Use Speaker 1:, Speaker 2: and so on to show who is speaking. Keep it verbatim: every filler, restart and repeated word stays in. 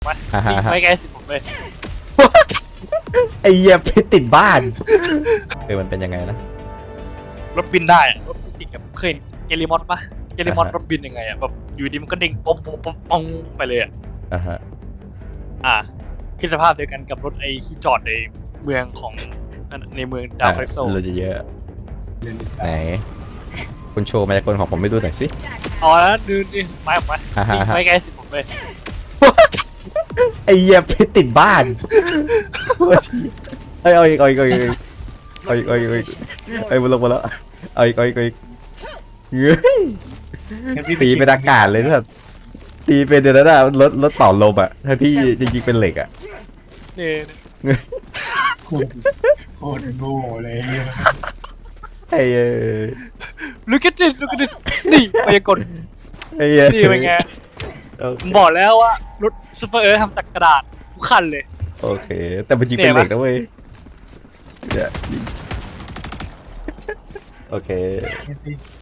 Speaker 1: มาวิ่งไปไกลสิผมเลย
Speaker 2: ไอ้เหี้ยไปติดบ้านเออมันเป็นยังไงนะ
Speaker 1: รถบินได้อะรถฟิสิกส์กับเคยเห็นเกลิมอนปะเกลิมอน
Speaker 2: อ่าฮะ
Speaker 1: รถบินยังไงอ่ะแบบอยู่ดีมันก็เด้งป๊อปป๊อปป๊อปป๊อปไปเลยอ่ะ
Speaker 2: อ่าฮะ
Speaker 1: อ่าคือสภาพเดียวกันกับรถไอ้ที่จอดในเมืองของในเมืองดาวคาลิปโซ
Speaker 2: เราจะเยอะไหนคุณโชว์มายากลของผมไม่ดูหน่อยสิ
Speaker 1: อ๋อแล้วดูดิไปออกมา
Speaker 2: อ่าฮะ
Speaker 1: วิ่งไปไกลสิผมเลย
Speaker 2: ไอ้เหี้ยไปติดบ้านเอ้ยเอาอีกเอาอีกเอาอีกเอาอีกเอาอีกเอาอีกเอาอีกเอ้ยมาลงมาแล้วเอาอีกเอาอีกเอาอีกเฮ้ยตีเป็นอากาศเลยนะตีเป็นเดี๋ยวนั้นอะรถรถต่อลมอะถ้าพี่จริงๆเป็นเหล็กอะ
Speaker 1: นี่
Speaker 3: โคตรโคตรโง่เลย
Speaker 2: ไอ้เอ้ย
Speaker 1: ลูก at this ลูก at this นี่มายากล
Speaker 2: ไอ้เอ้ย
Speaker 1: นี่เป็นไง
Speaker 2: โอ
Speaker 1: ผ
Speaker 2: เค
Speaker 1: มบอกแล้วว่ารถซูเปอร์เอิร์ธทำจากกระดาษทุกคันเลย
Speaker 2: โอเค แต่มันจริงเป็นเหล็กนะเว้ยเนี่ยโอเค